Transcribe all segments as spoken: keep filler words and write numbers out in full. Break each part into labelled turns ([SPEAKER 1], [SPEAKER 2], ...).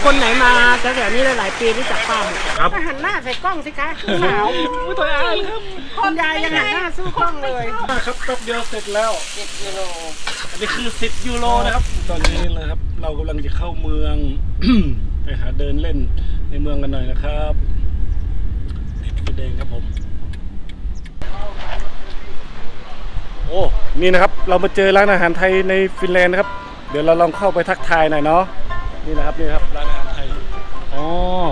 [SPEAKER 1] คนไหนมาแถวๆนี้หลายๆปีรู้จักป้าหมด
[SPEAKER 2] ครับ
[SPEAKER 1] หันหน้าใส่กล้องสิคะสาว
[SPEAKER 2] ไม่ตัวอ่านครับ
[SPEAKER 1] คุณยายยังหันหน้าสู้กล้องเลย
[SPEAKER 2] ครับแป๊บเดียวเสร็จแล้ว
[SPEAKER 1] สิบกิโล
[SPEAKER 2] อันนี้คือสิบยูโรนะครับตอนนี้นะครับเรากำลังจะเข้าเมือง ไปหาเดินเล่นในเมืองกันหน่อยนะครับติดไฟแดงครับผมโอ้นี่นะครับเรามาเจอร้านอาหารไทยในฟินแลนด์นะครับเดี๋ยวเราลองเข้าไปทักทายหน่อยเนาะนี่นะครับนี่ครับร้านอาหารไทยอ๋อ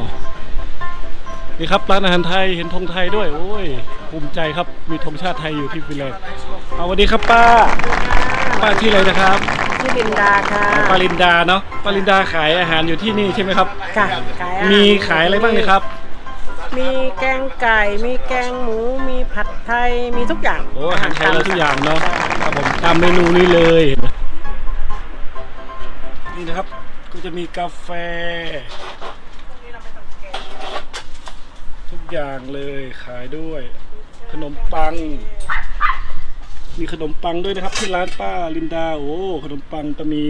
[SPEAKER 2] นี่ครับร้านอาหารไทยเห็นธงไทยด้วยโอ้ยภูมิใจครับมีธงชาติไทยอยู่ที่ฟินแลนด์เอาสวัสดีครับป้าป้าที่ออะไรนะครับ
[SPEAKER 1] ชื่อลินดาค่ะ
[SPEAKER 2] ปารินดาเนาะปารินดาขายอาหารอยู่ที่นี่ใช่ไหมครับ
[SPEAKER 1] ค่ะขายอาหาร
[SPEAKER 2] มีขายอะไรบ้างเนี่ยครับ
[SPEAKER 1] มีแกงไก่มีแกงหมูมีผัดไทยมีทุกอย่าง
[SPEAKER 2] โอ้อาหารไทยเราทุกอย่างเนาะครับผมตามเมนูนี้เลย นี่นะครับก็จะมีกาแฟ ทุกอย่างเลยขายด้วย ขนมปัง มีขนมปังด้วยนะครับที่ร้านป้าลินดาโอ้ขนมปังก็มี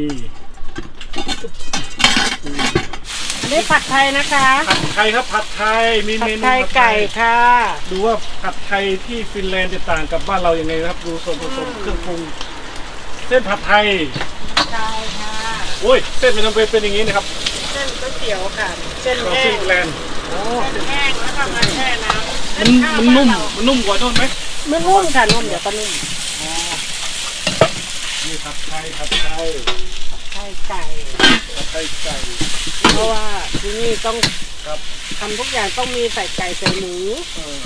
[SPEAKER 1] อันนี้ผัดไทยนะคะ
[SPEAKER 2] ผัดไทยครับผัดไทยมี
[SPEAKER 1] ผั
[SPEAKER 2] เม
[SPEAKER 1] ด
[SPEAKER 2] นู
[SPEAKER 1] ไทยไก่ค่ะ
[SPEAKER 2] ดูว่าผัดไทยที่ฟินแลนด์จะต่างกับบ้านเราอย่างไงนะครับดูส่วนผสมเครื่องปรุงเส้นผัดไทย
[SPEAKER 1] ใช่ค่ะ
[SPEAKER 2] โอ้ยเส้นมันทำไมเป็นอย่างนี้นะครับ
[SPEAKER 1] เส้นก๋วยเตี๋ยวค่ะเส้น
[SPEAKER 2] ของ
[SPEAKER 1] แห้
[SPEAKER 2] ฟิ
[SPEAKER 1] ง
[SPEAKER 2] นแลนด์โอ้
[SPEAKER 1] เส้นแห้งแล้วก็มาแช่น้ำ
[SPEAKER 2] มันมันนุ่มมันนุ่มกว่าโน่นไหม
[SPEAKER 1] ไม่นุ่มค่ะนุ่มเดี๋ยวก็นุ่ม
[SPEAKER 2] นี่ผัดไทยผัดไทย
[SPEAKER 1] ผัดไทยไก่
[SPEAKER 2] ผัดไทยไก่
[SPEAKER 1] เพราะว่าที่นี่ต้อง
[SPEAKER 2] ครับ
[SPEAKER 1] ทำทุกอย่างต้องมีใส่ไก่ใส่หมู
[SPEAKER 2] เออ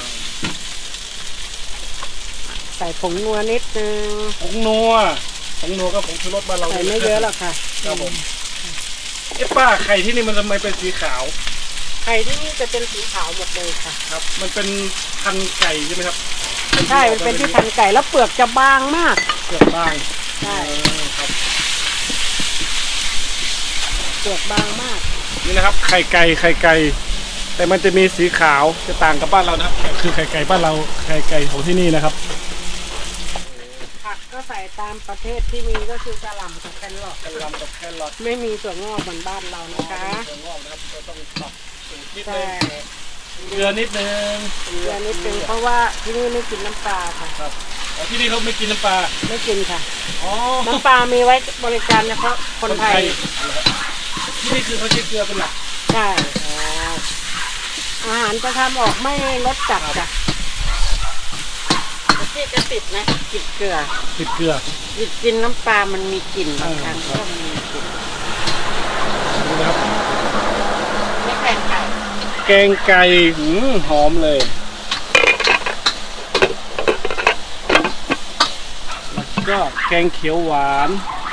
[SPEAKER 1] ใส่ผงนัวนิดนึง
[SPEAKER 2] ผงนัวผงนัวก็ผงชูรสบ้านเรา
[SPEAKER 1] ใส่ไม่เยอะหรอกค่ะ
[SPEAKER 2] ครับผมเอ๊ะป้าไข่ที่นี่มันทำไมเป็นสีขาว
[SPEAKER 1] ไข่ที่นี่จะเป็นสีขาวหมดเลยค่ะ
[SPEAKER 2] ครับ มันเป็นพันธุ์ไก่ใช่ไหมครับ
[SPEAKER 1] ใช่มันเป็นที่พันไก่แล้วเปลือกจะบางมาก
[SPEAKER 2] เกือบบาง
[SPEAKER 1] ใช่
[SPEAKER 2] เออครับ
[SPEAKER 1] เปลือกบางมาก
[SPEAKER 2] นี่นะครับไข่ไก่ไข่ไก่แต่มันจะมีสีขาวจะต่างกับบ้านเรานะครับคือไข่ไก่บ้านเราไข่ไก่ของที่นี่นะครับ
[SPEAKER 1] ผักก็ใส่ตามประเทศที่มีก็คือกระหล่ำกับแครอท
[SPEAKER 2] กระหล่ำกับแครอท
[SPEAKER 1] ไม่มีถั่วงอกเหมือนบ้านเรานะคะ
[SPEAKER 2] ถั่วงอกนะครับเราต้องปรับสูตรนิด
[SPEAKER 1] ใช่
[SPEAKER 2] นึงเกลือนิดนึง
[SPEAKER 1] เกลือนิดนึงเพราะว่าที่นี่ไม่กินน้ำปลาค่ะ
[SPEAKER 2] ครับอ๋อที่นี่เขาไม่กินน้ำปลา
[SPEAKER 1] ไม่กินค่ะ
[SPEAKER 2] อ๋อ
[SPEAKER 1] น้ำปลามีไว้บริการเฉพาะคนไทย
[SPEAKER 2] ที่นี่คือเขาใช้เกลือเป็นหลัก
[SPEAKER 1] ใช่อาหารจะทำออกไม่รสจัดจ้ะที่จะติดนะกลิ่นเกลือ
[SPEAKER 2] ติดเกลือ
[SPEAKER 1] กินกินน้ำปลามันมีกลิ่นบางครั้ง
[SPEAKER 2] เออครับ
[SPEAKER 1] ก็มีกลิ่น
[SPEAKER 2] ดูนะครับ
[SPEAKER 1] ไม่แกงไก่
[SPEAKER 2] แกงไก่หืมหอมเลยแล้วก็แกงเขียวหวาน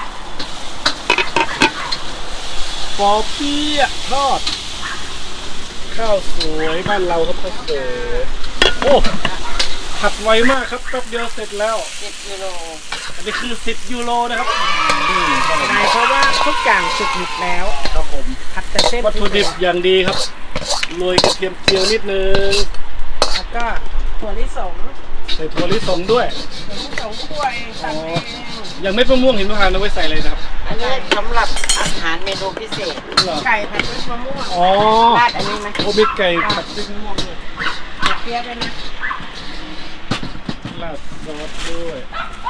[SPEAKER 2] ปอเปี๊ยะทอด ข้าวสวยบ้านเราครับข้าวสวยโอ้ผัดไวมากครับแป๊บเดียวเสร็จแล้ว
[SPEAKER 1] สิบกิโล
[SPEAKER 2] อันนี้คือสิบยูโรนะครับอืมครับผม
[SPEAKER 1] ใช่เพราะว่าทุกอย่างสุกหมดแล้ว
[SPEAKER 2] ครับผม
[SPEAKER 1] ผัดแต่เส้น
[SPEAKER 2] วัตถุดิบอย่างดีครับโรยกระเทียมเจียวนิดนึง
[SPEAKER 1] แล้วก็ถั่วลิสง
[SPEAKER 2] ใส่ถั่วลิสงด้วย
[SPEAKER 1] ถั่วลิสงคั่วเองตัดเอง
[SPEAKER 2] อย่างเม็ดมะม่วงหิมพานต์เอาไว้ใส่เลยนะครับ
[SPEAKER 3] อันนี้สำหรับอาหารเมนูพิเศษ
[SPEAKER 2] เหรอ
[SPEAKER 1] ไก่ผัดด้วยมะม่วง
[SPEAKER 2] อ๋อ
[SPEAKER 3] ราดอันนี้ไหม
[SPEAKER 2] โอมีไก่ผัดด้วยมะม่วงด้วย
[SPEAKER 1] เปี๊ยะด้วยนะ
[SPEAKER 2] ราดซอสด้วย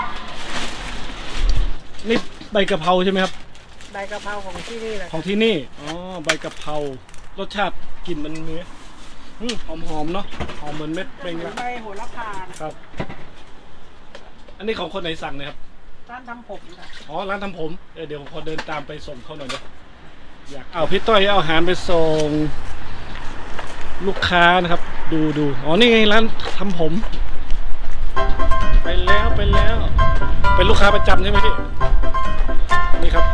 [SPEAKER 2] นี่ใบกะเพราใช่ไหมครับ
[SPEAKER 1] ใบกะเพราของที่นี่แหละ
[SPEAKER 2] ของที่นี่อ๋อใบกะเพรารสชาติกลิ่นมันเนื้ออืมหอมๆเนาะหอมเหมือนเม็ดเปรงละ
[SPEAKER 1] ใบโหระพานะครับ
[SPEAKER 2] อันนี้ของคนไหนสั่งนะครับ
[SPEAKER 1] ร้านทำผมค่ะ
[SPEAKER 2] อ๋อร้านทำผมเออเดี๋ยวผมขอเดินตามไปส่งเขาหน่อยนะอยากเอาพี่ต้อยเอาอาหารไปส่งลูกค้านะครับ ดูดูอ๋อนี่ไงร้านทำผม ไปแล้วไปแล้ว เป็นลูกค้าประจำใช่ไหมพี่นี่ครับ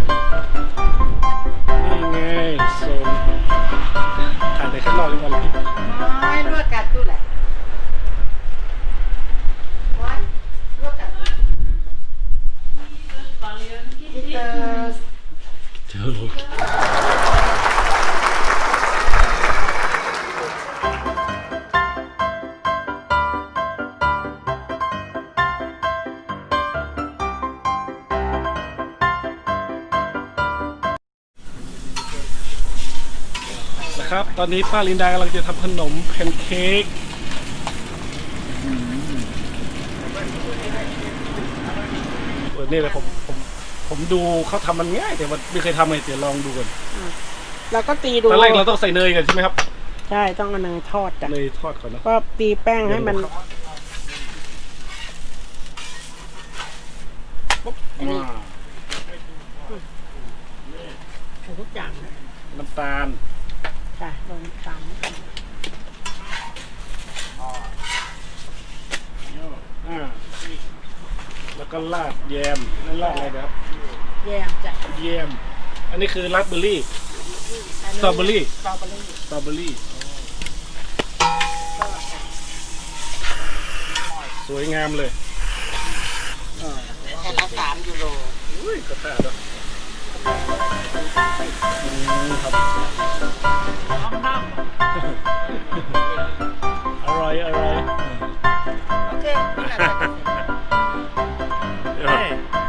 [SPEAKER 2] นี่ไงส่งถ่ายในข้างนอกดีกว่าเลยพี่
[SPEAKER 3] ไม่ลวกกันตู้แหละลวกกันที่เจอ
[SPEAKER 2] เจอลูกครับ ตอนนี้ป้าลินดากำลังจะทำขนมแพนเค้กเออนี่เลยผมผมผมดูเขาทำมันง่ายแต่ว่าไม่เคยทำเลยเดี๋ยวลองดูกัน
[SPEAKER 1] เราก็ตีดู
[SPEAKER 2] ตอนแรกเราต้องใส่เนยกันใช่ไหมครับ
[SPEAKER 1] ใช่ต้องเอาเนยทอดจ้ะ
[SPEAKER 2] เนยทอดก่อนนะ
[SPEAKER 1] ก็ตีแป้งให้มัน
[SPEAKER 2] ปุ๊บอ่า
[SPEAKER 1] ใส่ทุกอย่างนะ
[SPEAKER 2] น้ำตาล
[SPEAKER 1] จ้ะลงตาม
[SPEAKER 2] อ่าแล้วก็ราดแยมนั่นราดอะไรนะครับ
[SPEAKER 1] แยมจ้ะ
[SPEAKER 2] แยมอันนี้คือราสเบอร์รี่ สตรอเบอรี่
[SPEAKER 1] สตรอเบอรี่
[SPEAKER 2] สตรอเบอรี่สวยงามเลยอ่า
[SPEAKER 3] แค่ละสามยูโร
[SPEAKER 2] อุ้ยกระแทกแล้วอืมครับ อร่อยอร่อย
[SPEAKER 3] โอเคนี่แหละ
[SPEAKER 2] เดี๋ยวครับ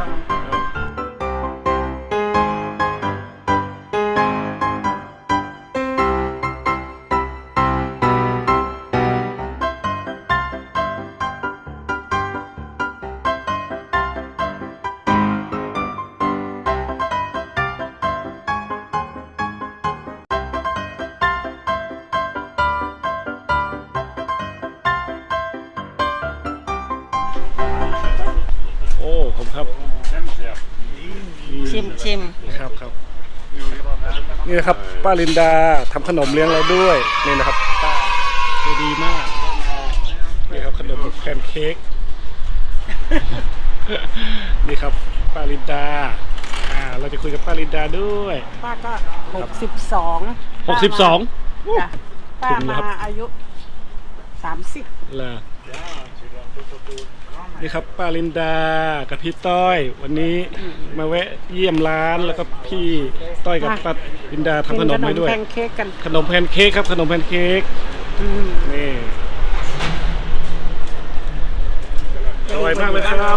[SPEAKER 2] โอ้ผมครับ
[SPEAKER 3] ชิมชิม
[SPEAKER 2] ครับครับนี่นะครับป้าลินดาทำขนมเลี้ยงเราด้วยนี่นะครับป้าใจดีมากนี่ครับขนมแพนเค้ก นี่ครับป้าลินดาอ่าเราจะคุยกับป้าลินดาด้วย
[SPEAKER 1] ป้าก็หกสิบสอง
[SPEAKER 2] หกสิบสอง
[SPEAKER 1] จ้ะป้า
[SPEAKER 2] ถึงแล้ว
[SPEAKER 1] มา
[SPEAKER 2] ครับ
[SPEAKER 1] อายุสามสิบ
[SPEAKER 2] ล่ะนี่ครับป้าลินดากับพี่ต้อย วันนี้มาแวะเยี่ยมร้านแล้วก็พี่ต้อยกับป้าลินดาทำขนมไว้ด้วย
[SPEAKER 1] แพนเค้กกัน
[SPEAKER 2] ขนมแพนเค้กครับขนมแพนเค้ก
[SPEAKER 1] อืม
[SPEAKER 2] นี่อร่อยมากเลยครับ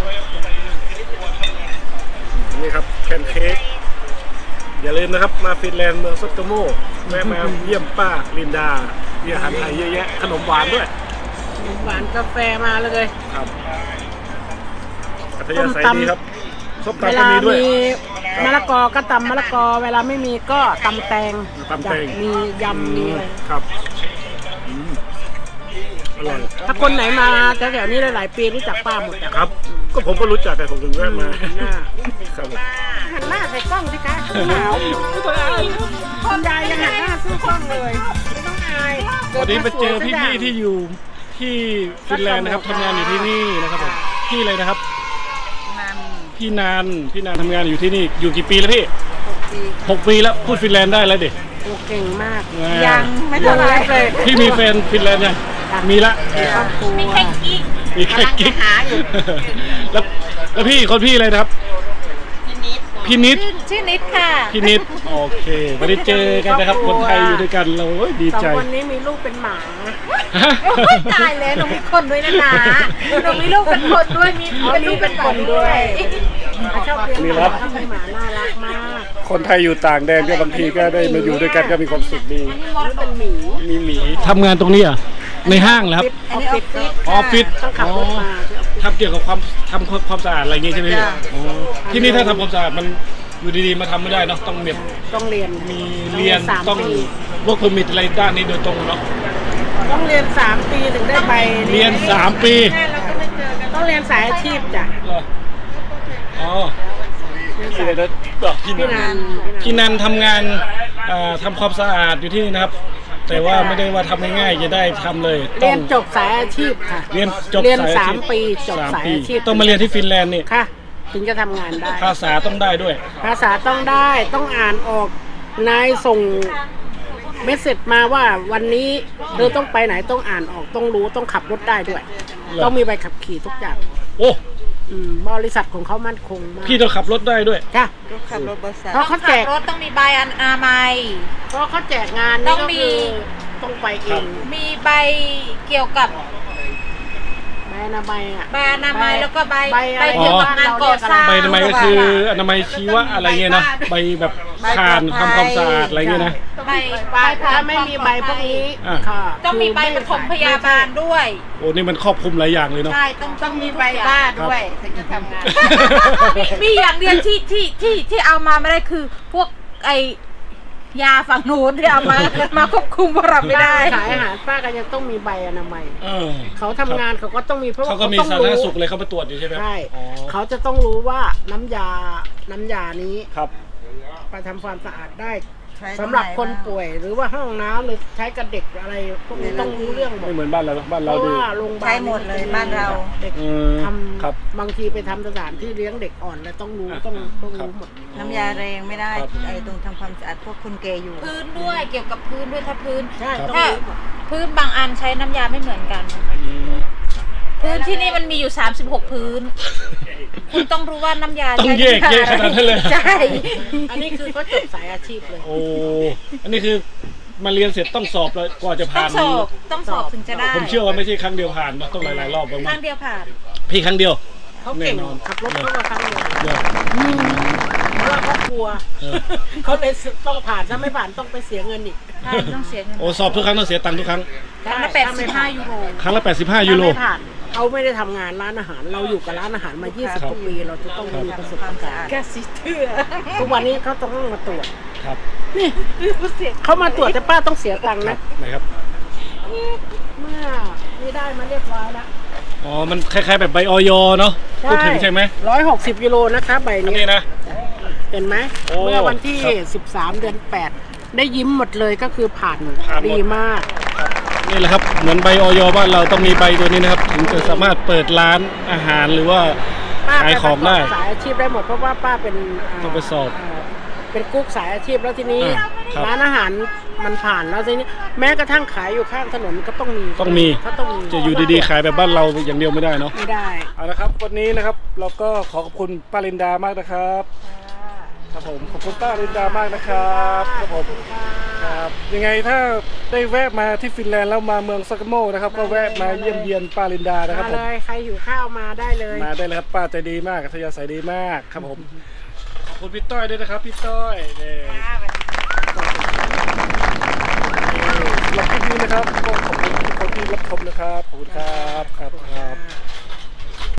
[SPEAKER 2] นี่ครับแพนเค้กอย่าลืมนะครับมาฟินแลนด์เมืองซอตโกโมแวะมาเยี่ยมป้าลินดามีอาหารไทยเยอะแยะขนมหวานด้วย
[SPEAKER 1] หวานกาแฟมาเลย
[SPEAKER 2] ครับอัธยาศัย
[SPEAKER 1] ส้มตำ
[SPEAKER 2] ดีครับส้ม
[SPEAKER 1] เว
[SPEAKER 2] ตำก็
[SPEAKER 1] ลา
[SPEAKER 2] มีด้วย
[SPEAKER 1] มีมะละกอก็ตำมะละกอ เวลาไม่มีก็ตำแตง
[SPEAKER 2] ตำแตง
[SPEAKER 1] จ้ะมียำมีอะไร
[SPEAKER 2] ครับอืมอร่อย
[SPEAKER 1] ถ้าคนไหนมาแถวๆนี้หลายๆปีรู้จักป้าหมดจ้ะ
[SPEAKER 2] ครับ ก็ผมก็รู้จักแต่ผมถึงแวะมา
[SPEAKER 1] หันหน้า
[SPEAKER 2] ครับผม
[SPEAKER 1] หันหน้าใส่กล้องสิคะหนาวพ่อยายยังหันหน้าสู้กล้องเลยไม่ต้องอาย
[SPEAKER 2] วันนี้ไปเจอพี่ๆที่อยู่ที่ฟินแลนด์นะครับทำงานอยู่ที่นี่นะครับผมพี่อะไรนะครับ
[SPEAKER 3] มัน
[SPEAKER 2] พี่นานพี่นานทำงานอยู่ที่นี่อยู่กี่ปีแล้วพี่
[SPEAKER 3] หกปี
[SPEAKER 2] หกปีแล้วพูดฟินแลนด์ได้แล้วดิ
[SPEAKER 1] โอ้เก่งมาก
[SPEAKER 3] ยังไม่เท่าไหร่
[SPEAKER 1] เลย
[SPEAKER 2] พี่มีแฟนฟินแลนด์ยังมีละ
[SPEAKER 1] มีครอบครัว
[SPEAKER 3] มีแค่กิ๊ก
[SPEAKER 2] มีแค่กิ๊ก
[SPEAKER 3] กำลังจะหาอยู่
[SPEAKER 2] แล้วแล้วพี่คนพี่อะไรนะครับ
[SPEAKER 3] พี่นิด
[SPEAKER 2] พี่นิด
[SPEAKER 3] ชื่อนิดค่ะ
[SPEAKER 2] พี่นิดโอเควันนี้เจอกันนะครับคนไทยอยู่ด้วยกันเราโอ้ยดี
[SPEAKER 1] สอง
[SPEAKER 2] ใจ
[SPEAKER 1] คนนี้มีลูกเป็นหมา
[SPEAKER 2] ฮะ
[SPEAKER 3] โอ้ยตายแล้วหนูมีคนด้วยนะนะหนูมีลูกเป็นคนด้วยมี
[SPEAKER 1] อ๋อ
[SPEAKER 3] เป็น
[SPEAKER 1] มี
[SPEAKER 3] ลูก
[SPEAKER 1] เป็
[SPEAKER 3] เป็น น
[SPEAKER 1] ค
[SPEAKER 3] คน น
[SPEAKER 1] ด้
[SPEAKER 3] ด้
[SPEAKER 1] ว
[SPEAKER 3] วย ย
[SPEAKER 1] เขาชอบเลี้ยงหมาเขาเป็นหมาน่ารักมาก
[SPEAKER 2] คนไทยอยู่ต่างแดนก็บางทีก็ได้มาอยู่ด้วยกันก็มีความสุขดี
[SPEAKER 1] นี่เป็นหมี
[SPEAKER 2] มีหมีทำงานตรงนี้อ่ะในห้างแล้ว
[SPEAKER 1] ออฟฟิศ
[SPEAKER 2] ออฟฟิศ
[SPEAKER 1] ต้องขับรถมาที่ออฟฟิศ
[SPEAKER 2] ทำเกี่ยวกับความทำความสะอาดอะไรอย่างงี้ใช่ไหมพี่อ๋อที่นี่ถ้าทำความสะอาดมันอยู่ดีๆมาทำไม่ได้เนาะต้องเรียน
[SPEAKER 1] ต้องเรียน
[SPEAKER 2] มีเรียน
[SPEAKER 1] สาม
[SPEAKER 2] ต้อง
[SPEAKER 1] ปี
[SPEAKER 2] พวกเพอร์มิทอะไรด้านนี้โดยตรงเนาะ
[SPEAKER 1] ต้องเรียนสามปีถึงได้ใบ
[SPEAKER 2] เรียนสามปี
[SPEAKER 1] ต้องเรียนสายอาชีพจ้ะ
[SPEAKER 2] เหรออ๋อพี่อะไรนะบอกพี่
[SPEAKER 1] พี่
[SPEAKER 2] นั
[SPEAKER 1] นั
[SPEAKER 2] น
[SPEAKER 1] น
[SPEAKER 2] พี่นันทำงานเอ่อทำความสะอาดอยู่ที่นี่นะครับ แต่ว่าไม่ได้ว่าทำง่ายๆจะได้ทำเลยต้
[SPEAKER 1] เรี
[SPEAKER 2] อย ง
[SPEAKER 1] นจบสายอาชีพค่ะ
[SPEAKER 2] เรียนจบ
[SPEAKER 1] เรียน
[SPEAKER 2] สาย
[SPEAKER 1] สา
[SPEAKER 2] อ
[SPEAKER 1] ม
[SPEAKER 2] ชีพ
[SPEAKER 1] ปีจบ
[SPEAKER 2] สาม
[SPEAKER 1] สาย
[SPEAKER 2] ปี
[SPEAKER 1] อาชีพ
[SPEAKER 2] ต้องมาเรียนที่ฟินแลนด์นี่
[SPEAKER 1] ค่ะ ถึงจะทำงานได้
[SPEAKER 2] ภาษาต้องได้ด้วย
[SPEAKER 1] ภาษาต้องได้ต้องอ่านออกนายส่งเมสเซจมาว่าวันนี้เธอต้องไปไหนต้องอ่านออกต้องรู้ต้องขับรถได้ด้วย
[SPEAKER 2] เหรอ
[SPEAKER 1] ต้องมีใบขับขี่ทุกอย่าง
[SPEAKER 2] โอ้
[SPEAKER 1] อืมบริษัทของเขามั่นคงมาก
[SPEAKER 2] พี่ต้องขับรถได้ด้วย
[SPEAKER 1] ค่ะ
[SPEAKER 3] ขับรถบริษัท
[SPEAKER 1] เพราะเขาแจก
[SPEAKER 3] รถต้องมีใบอนามัย
[SPEAKER 1] เพราะเขาแจกงาน
[SPEAKER 3] ต้
[SPEAKER 1] นี่
[SPEAKER 3] อง
[SPEAKER 1] ก็
[SPEAKER 3] มี
[SPEAKER 1] คือต้องไปเอ
[SPEAKER 2] ครับ
[SPEAKER 1] ง
[SPEAKER 3] มีใบเกี่ยวกับ
[SPEAKER 1] ใบอนามัยอ่ะ
[SPEAKER 3] ใบอนามัยแล้วก็ใบ
[SPEAKER 1] ใบอะไร
[SPEAKER 3] เกี่ยวกับงานก่อสร้าง
[SPEAKER 2] ใบอนามัยก็คืออนามัยชีวะอะไรเงี้ยนะใบแบบคานทำความสะอาดอะไรเงี้ยนะ
[SPEAKER 3] ใบ
[SPEAKER 1] ใบถ้าไม่มีใบพวกนี้
[SPEAKER 2] อ่ะ
[SPEAKER 1] ค่ะ
[SPEAKER 3] ต้องมีใบปฐมพยาบาลด้วย
[SPEAKER 2] โอ้นี่มันครอบคลุมหลายอย่างเลยเนาะ
[SPEAKER 3] ใช่ต้องต้องมีใบ
[SPEAKER 1] บ้า
[SPEAKER 3] บ้าน
[SPEAKER 1] ด้วยถึงจะทำงาน
[SPEAKER 3] มีมีอย่างเดียวที่ที่ที่ที่เอามาไม่ได้คือ พวกไอยาฝั่งนู้นที่เอามามาควบคุมพวกเราไม่ได้
[SPEAKER 1] ขายอาหารป้าก็ยังต้องมีใบอนามัย
[SPEAKER 2] เออ
[SPEAKER 1] เขาทำงานเขาก็ต้องมีเพราะว่า
[SPEAKER 2] เขาก็มี
[SPEAKER 1] ต้อง
[SPEAKER 2] สาธารณ
[SPEAKER 1] รู้
[SPEAKER 2] สุขเลยเขาไปตรวจอยู่ใช่ไหม
[SPEAKER 1] ใช่
[SPEAKER 2] อ๋อ
[SPEAKER 1] เขาจะต้องรู้ว่าน้ำยาน้ำยานี้
[SPEAKER 2] ครับ
[SPEAKER 1] ไปทำความสะอาดได้สำหรับคนป่วยหรือว่าห้องน้ำหรือใช้กับเด็กอะไรพวกนี้ต้องรู้เรื่องหม
[SPEAKER 2] ไม่
[SPEAKER 1] ด
[SPEAKER 2] เหมือนบ้านเราบ้าน
[SPEAKER 1] เพ
[SPEAKER 2] เรา
[SPEAKER 1] ราะ
[SPEAKER 2] ดู
[SPEAKER 1] ว่าโรงพยาบาล
[SPEAKER 3] ใช้หมดเลยบ้านเรา
[SPEAKER 1] เด็ก
[SPEAKER 2] อืม
[SPEAKER 1] ท
[SPEAKER 2] ครับ
[SPEAKER 1] ำบางทีไปทำสถานที่เลี้ยงเด็กอ่อนแล้วต้องรู้
[SPEAKER 2] อ่ะ
[SPEAKER 1] ต้องต้อง
[SPEAKER 2] ครับ
[SPEAKER 1] รู้หมด
[SPEAKER 4] น้ำยาแรงไม่ได้
[SPEAKER 2] ครับ
[SPEAKER 4] ไอ้ตรงทำความสะอาดพวกคนแก่อยู่
[SPEAKER 3] พื้นด้วยเกี่ยวกับพื้นด้วยถ้าพื้น
[SPEAKER 1] ใช่ต้อง
[SPEAKER 3] ถ้า
[SPEAKER 1] รู้หมด
[SPEAKER 3] พื้นบางอันใช้น้ำยาไม่เหมือนกัน
[SPEAKER 2] อืม
[SPEAKER 3] พื้นที่นี่มันมีอยู่สามสิบหกพื้น คุณต้องรู้ว่าน้ำยา
[SPEAKER 2] ต้องแยกแยกขนาดนั้นเลย
[SPEAKER 3] ใช่
[SPEAKER 1] อันนี้คือเขาจบสายอาชีพเลย
[SPEAKER 2] โอ้อันนี้คือมาเรียนเสร็จต้องสอบแล้วกว่าจะ
[SPEAKER 3] ต้อ
[SPEAKER 2] ผ่าง น
[SPEAKER 3] สอบต้องสอบถึงจะได้
[SPEAKER 2] ผมเชื่อว่าไม่ใช่ครั้งเดียวผ่านนะต้องหลายๆรอบบ้าง
[SPEAKER 3] ค
[SPEAKER 2] มั้
[SPEAKER 3] รั้
[SPEAKER 2] ง
[SPEAKER 3] งเดียวผ่าน
[SPEAKER 2] พี่ครั้งเดียว
[SPEAKER 1] เขาเก่ง
[SPEAKER 2] แน่นอน
[SPEAKER 1] ขับรถเขาก็ครั้งเดียว
[SPEAKER 2] เดี๋ยว
[SPEAKER 1] เพราะว่าเขากลัว
[SPEAKER 2] เออ
[SPEAKER 1] เขาเลยต้องผ่านถ้าไม่ผ่านต้องไปเสียเงินอีก
[SPEAKER 3] ใช่ต้องเสียเงิน
[SPEAKER 2] โอ้สอบทุกครั้งต้องเสียตังค์ทุกครั้ง
[SPEAKER 3] ครั้งละแปดสิบห้ายูโร
[SPEAKER 2] ครั้งละแปดสิบห้ายูโร
[SPEAKER 1] ถ้าไม่ผ่านเขาไม่ได้ทำงานร้านอาหาร เราอยู่กับร้านอาหารมายี่สิบ
[SPEAKER 2] ครับ
[SPEAKER 1] กว่าปีเราจะต้อง
[SPEAKER 2] ครับ
[SPEAKER 1] มีประสบการณ์
[SPEAKER 3] แกสิเถื่อ
[SPEAKER 1] ทุกวันนี้เขาต้องมาตรวจ
[SPEAKER 2] ครับ
[SPEAKER 1] นี่เขามาตรวจแต่ป้าต้องเสียตังค์
[SPEAKER 2] ครั
[SPEAKER 1] นะ
[SPEAKER 2] บไหนครับ
[SPEAKER 1] เมื่อนี่ได้มาเรียบร้อยแล้ว
[SPEAKER 2] อ๋อมันคล้ายๆแบบใบออยเนาะพูดถึงใช่ไหม
[SPEAKER 1] ร้อยหกสิบกิโลนะคะใบ
[SPEAKER 2] อัน
[SPEAKER 1] นี้
[SPEAKER 2] นี้นะ
[SPEAKER 1] เห็นไหม
[SPEAKER 2] โอ้
[SPEAKER 1] เมื่อวันที่
[SPEAKER 2] ครับ
[SPEAKER 1] สิบสามเดือนแปดได้ยิ้มหมดเลยก็คือผ่าน
[SPEAKER 2] ผ่านหมด
[SPEAKER 1] ดีมาก
[SPEAKER 2] นี่แหละครับเหมือนใบออยบ้านเราต้องมีใบตัวนี้นะครับ ถึงจะสามารถเปิดร้านอาหารหรือว่า
[SPEAKER 1] ป้า
[SPEAKER 2] ขายของได้
[SPEAKER 1] ปประกบสายอาชีพได้หมดเพราะว่าป้าเป็น
[SPEAKER 2] ต้องไปสอบ
[SPEAKER 1] าเป็นกุ๊กสายอาชีพแล้วทีนี้
[SPEAKER 2] อ่าครับ
[SPEAKER 1] ร้านอาหารมันผ่านแล้วทีนี้แม้กระทั่งขายอยู่ข้างถนนก็ต้องมี
[SPEAKER 2] ต้องมี
[SPEAKER 1] เขาต้องมี
[SPEAKER 2] จะอยู่ดีๆขายแบบบ้านเราอย่างเดียวไม่ได้เนาะ
[SPEAKER 1] ไม่ได้
[SPEAKER 2] เอาละครับวันนี้นะครับเราก็ขอขอบคุณป้าลินดามากนะครับครับผมขอบคุณป้าลินดามากนะครับครับผมครับยังไงถ้าได้แวะมาที่ฟินแลนด์แล้วมาเมืองซากาโมนะครับก็แวะมาเยี่ยมเยียนป้าลินดานะครับ
[SPEAKER 1] มา
[SPEAKER 2] ผม
[SPEAKER 1] เลยใครหิวข้าวมาได้เลย
[SPEAKER 2] มาได้เลยครับป้าใจดีมากอัธยาศัยดีมากครับผมขอบคุณพี่ต้อยด้วยนะครับพี่ต้อยนี่สำหรับคลิปนี้นะครับก็ขอบคุณทุกคนที่รับชมนะครับขอบคุณครับครับครับ